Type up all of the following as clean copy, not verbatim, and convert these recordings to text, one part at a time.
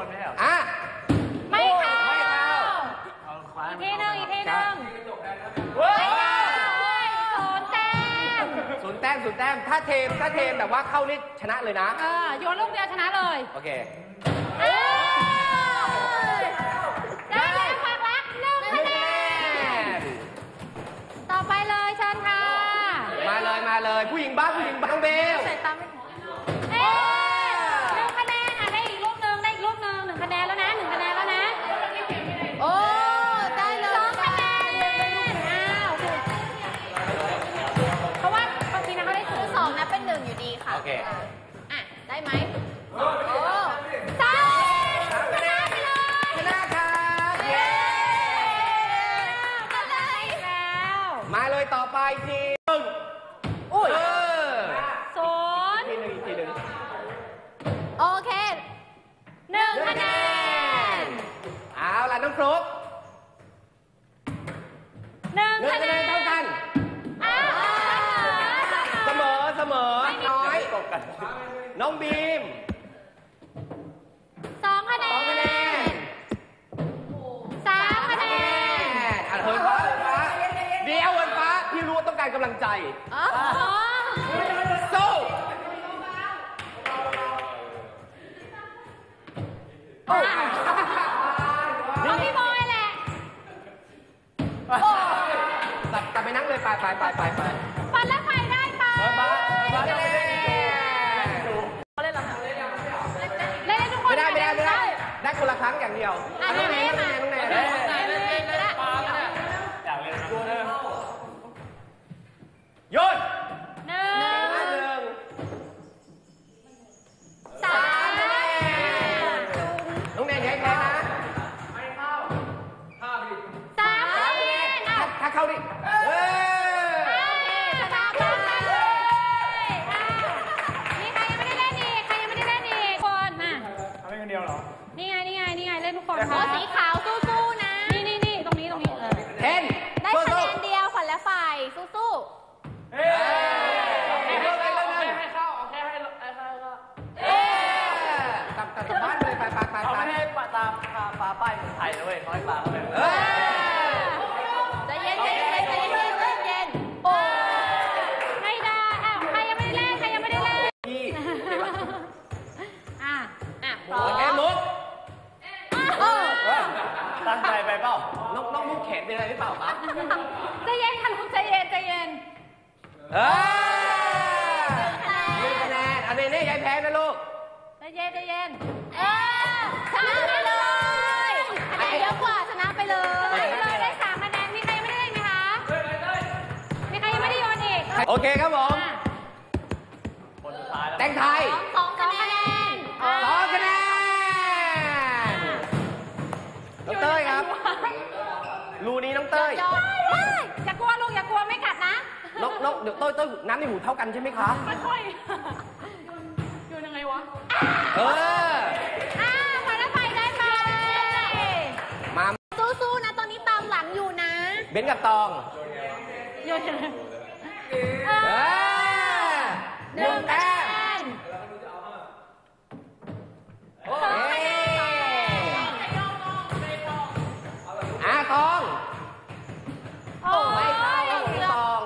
นไม่ใช่หรอไม่เข้าอีกทีหนึ่งไม่เข้าศูนย์แต้มถ้าเทมแบบว่าเข้านี่ชนะเลยนะโยนลูกเดียวชนะเลยโอเคได้เลยฝากรัก1 คะแนนต่อไปเลยเชิญค่ะมาเลยผู้หญิงบ้างเบลใส่ตามไม่1 คะแนนได้อีกลูกหนึ่ง1 คะแนนแล้วนะ1 คะแนนแล้วนะโอ้ได้เลย2 คะแนนเพราะว่าบางทีนะเขาได้2นะเป็น1อยู่ดีค่ะโอเคได้ไหมโอ้3ชนะไปเลยชนะครับเย้มาเลยต่อไปทีอุ้ย 0 อีกทีหนึ่งโอเค1 คะแนนเอาล่ะน้องฟลุ๊ก 1 คะแนนเท่ากันเสมอน้อยน้องบีม 2 คะแนน3 คะแนนเหินฟ้าเดี๋ยวเหินฟ้าพี่รู้ว่าต้องการกำลังใจสู้เอาพี่บอยแหละกลับไปนั่งเลยไปปันและไฟได้ไปเล่นทุกคนไม่ได้คนละครั้งอย่างเดียวน้องแนนหยุด 1 3 น้องแนนอย่าให้แพ้นะ 3 ถ้าเข้าดิชนะไปเลยนี่ใครยังไม่ได้เล่นอีกคนมาทำให้คนเดียวเหรอนี่ไงเล่นทุกคนสีขาวสู้ๆนะนี่ตรงนี้เทนได้คะแนนเดียวขวัญและฝ่ายสู้ให้เข้าโอเคให้เข้ากลับบ้านเลยไปเขาไม่ให้ตามฟ้าป้ายเมืองไทยนะเว้ยเขาให้ฟ้าเขาเลยใจเย็นโอ้ไม่ได้ใครยังไม่ได้เล่นพี่พร้อมแอมมุกตั้งใจไปเปล่าน้องมุกแขนเป็นอะไรหรือเปล่าครับใจเย็นค่ะลูกใจเย็น1 คะแนนอันนี้ยายแพ้นะลูกใจเย็นชนะไปเลยคะแนนเยอะกว่าชนะไปเลยได้3 คะแนนมีใครยังไม่ได้เล่นไหมคะมีใครยังไม่ได้โยนอีกโอเคครับผมคนสุดท้ายแล้วแต่งไทย 2 คะแนน 2 คะแนนน้องเต้ยครับรูนี้น้องเต้ยอย่ากลัวลูกอย่ากลัวไม่กัดนะนกเดี๋ยวเต้ยน้ำในหูเท่ากันใช่ไหมคะค่อยโยนยังไงวะขวัญและไฟได้ไปมาสู้ๆนะตอนนี้ตามหลังอยู่นะเบนกับตองโยนยังไง1 แต้มตองไม่เข้าตอง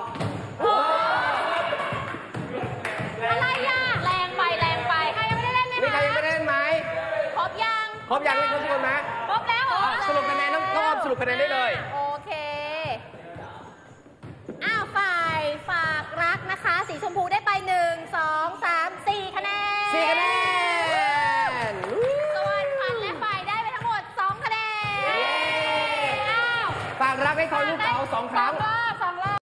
อะไรแรงไปใครยังไม่ได้เล่นไหมมีใครยังไม่ได้เล่นไหมครบยังเล่นทุกคนไหมครบแล้วเหรอสรุปคะแนนน้องออมสรุปคะแนนได้เลยโอเคฝ่ายฝากรักนะคะสีชมพูได้ไป1 2 3 4 คะแนนส่วนขวัญและฝ่ายได้ไปทั้งหมด2 คะแนนฝากรักให้ทอยลูกเต๋า2 ครั้ง